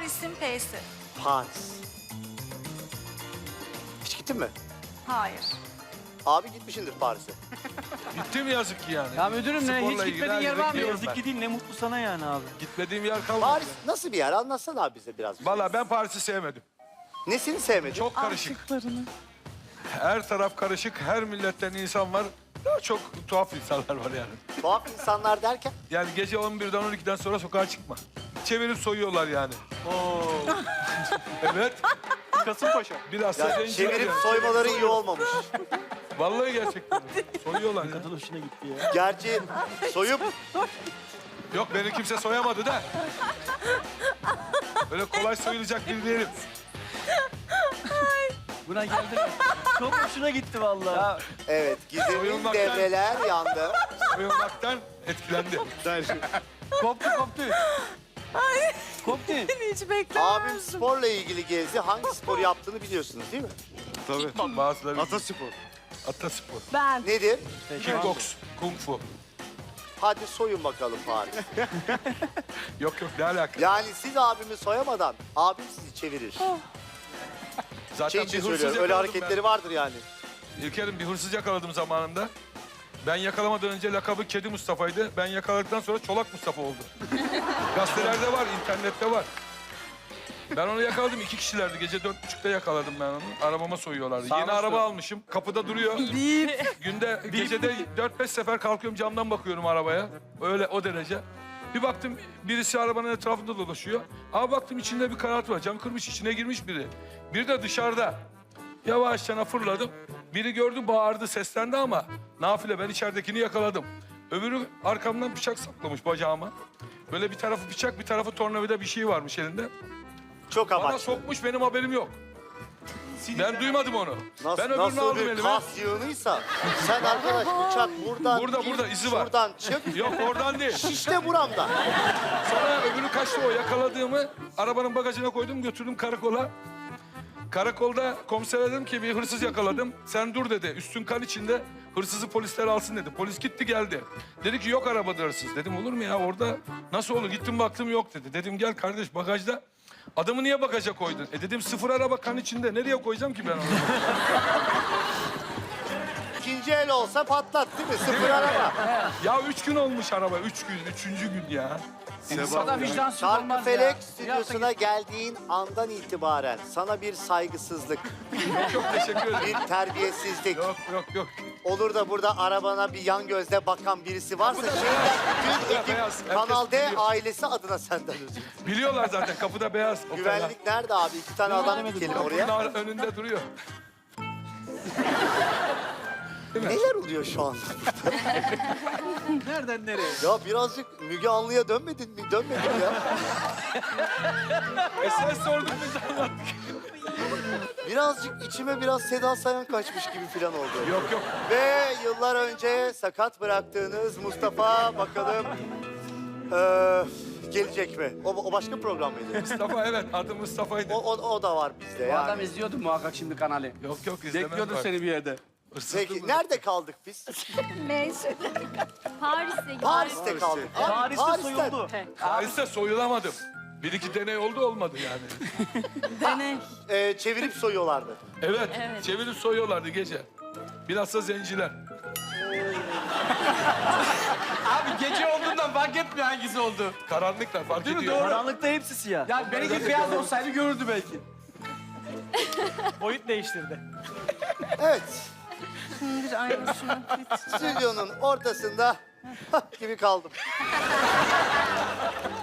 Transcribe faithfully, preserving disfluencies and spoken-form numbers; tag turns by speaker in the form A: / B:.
A: Paris'in P'si.
B: Paris. Hiç gittin mi?
A: Hayır.
B: Abi gitmişindir Paris'e.
C: Gittim yazık ki yani.
D: Ya müdürüm ne?
C: Sporla
D: Hiç
C: ilgili
D: gitmediğin
C: her
D: yer
C: yere
D: var mı?
C: gidiyorum
D: Yazık
C: ben.
D: gideyim ne mutlu sana yani abi.
C: Gitmediğim yer kalmadı.
B: Paris nasıl bir yer? Anlatsana abi bize biraz.
C: Valla ben Paris'i sevmedim.
B: Nesini sevmedin?
C: Çok karışık. Her taraf karışık, her milletten insan var. Daha çok tuhaf insanlar var yani.
B: Tuhaf insanlar derken?
C: Yani gece on birden on ikiden sonra sokağa çıkma. Çevirip soyuyorlar yani.
D: Oo.
C: Evet.
D: Kasımpaşa.
C: Biraz
B: Ya,
C: da
B: çevirip soymaları iyi olmamış.
C: Vallahi gerçekten. Soyuyorlar ya.
D: Kadın hoşuna gitti ya.
B: Gerçi soyup
C: Yok beni kimse soyamadı da. Böyle kolay soyulacak biri değilim.
D: Buna geldi mi? Çok hoşuna gitti vallahi.
B: evet Gizem'in
C: Soyulmaktan-
B: devreler yandı.
C: Soyulmaktan etkilendi.
D: Koptu koptu. Koptu.
A: Hiç beklemezdim.
B: Abim sporla ilgili gezdi. Hangi spor yaptığını biliyorsunuz değil mi?
C: Tabii. Bazıları.
E: Ataspor.
C: Ataspor.
A: Ben.
B: Nedir?
C: Kickbox. Kung fu.
B: Hadi soyun bakalım Paris.
C: Yok yok ne alaka?
B: Yani siz abimi soyamadan abim sizi çevirir.
C: Zaten
B: Şey için
C: bir hırsız
B: söylüyorum. Öyle
C: yakaladım
B: hareketleri vardır yani.
C: ben. İlker'im bir hırsız yakaladım zamanında. Ben yakalamadan önce lakabı Kedi Mustafa'ydı. Ben yakaladıktan sonra Çolak Mustafa oldu. Gazetelerde var, internette var. Ben onu yakaladım. İki kişilerdi. Gece dört buçukta yakaladım ben onu. Arabama soyuyorlardı. Yeni
D: Sarhoştu.
C: araba almışım. Kapıda duruyor. Günde, gecede dört beş sefer kalkıyorum camdan bakıyorum arabaya. Öyle o derece. Bir baktım birisi arabanın etrafında dolaşıyor. Abi baktım içinde bir karartı var. Cam kırmış içine girmiş biri. Bir de dışarıda. Yavaşça fırladım. Biri gördü bağırdı seslendi ama nafile ben içeridekini yakaladım. Öbürü arkamdan bıçak saplamış bacağıma. Böyle bir tarafı bıçak bir tarafı tornavida bir şey varmış elinde.
B: Çok
C: Bana
B: amaçlı.
C: sokmuş benim haberim yok. Ben duymadım onu.
B: Nasıl,
C: ben öbürünü
B: nasıl
C: aldım
B: bir
C: elime.
B: kas yığınıysa sen arkadaş bıçak buradan
C: Burada,
B: gir,
C: burada, izi var.
B: şuradan çık.
C: Yok oradan değil.
B: İşte buramda.
C: Sonra öbürü kaçtı o yakaladığımı arabanın bagajına koydum götürdüm karakola. Karakolda komisere dedim ki bir hırsız yakaladım. Sen dur dedi. Üstün kan içinde hırsızı polisler alsın dedi. Polis gitti geldi. Dedi ki yok arabada hırsız. Dedim olur mu ya orada nasıl olur? Gittim baktım yok dedi. Dedim gel kardeş bagajda. Adamı niye bagaja koydun? E dedim sıfır araba kan içinde. Nereye koyacağım ki ben onu?
B: İkinci el olsa patlat değil mi? Sıfır araba.
C: Ya üç gün olmuş araba. Üç gün. Üçüncü gün ya.
D: Sana vicdansız olmaz ya.
B: Çarkıfelek
D: Bir
B: stüdyosuna
D: hafta
B: geldiğin andan itibaren sana bir saygısızlık,
C: Yok yok teşekkür ederim.
B: bir terbiyesizlik,
C: Yok yok yok.
B: olur da burada arabana bir yan gözle bakan birisi varsa şimdiden bütün ekip
C: beyaz, herkes
B: Kanal D
C: biliyor.
B: ailesi adına senden özür dilerim.
C: Biliyorlar zaten kapıda beyaz. o kadar.
B: Güvenlik nerede abi? İki tane adam dikelim oraya.
C: Kapının önünde duruyor.
B: Neler oluyor şu anda?
D: Nereden nereye?
B: Ya birazcık Müge Anlı'ya dönmedin mi? Dönmedin ya.
C: E sen sordun biz anlattık.
B: Birazcık içime biraz Seda Sayan kaçmış gibi falan oldu.
C: Yok yok.
B: Ve yıllar önce sakat bıraktığınız Mustafa bakalım eee, gelecek mi? O, o başka program mıydı?
C: Mustafa evet adı Mustafa'ydı.
B: O, o, o da var bizde
D: Bu adam
B: yani.
D: izliyordu muhakkak şimdi kanalı.
C: Yok yok izlemem.
D: Bekliyordur
C: bak.
D: seni bir yerde.
C: Hırsızlık
B: Peki
C: mı?
B: nerede kaldık biz?
A: Neyse.
F: Paris'te
B: Paris'te kaldık. Abi,
D: Paris'te
B: Paris'ten.
D: soyuldu.
C: Paris'te soyulamadım. Bir iki deney oldu olmadı yani.
A: Deney.
B: Eee, çevirip soyuyorlardı.
C: Evet, çevirip soyuyorlardı gece. Bilhassa zenciler.
D: Abi gece olduğundan fark etmiyor hangisi oldu.
C: Karanlıklar fark
D: Değil mi?
C: ediyor.
D: Doğru.
E: Karanlıkta hepsi siyah.
D: Yani benimki beyaz olsaydı görürdü belki.
E: Boyut değiştirdi.
B: Evet,
A: Bir aynısını.
B: stüdyonun ortasında gibi kaldım.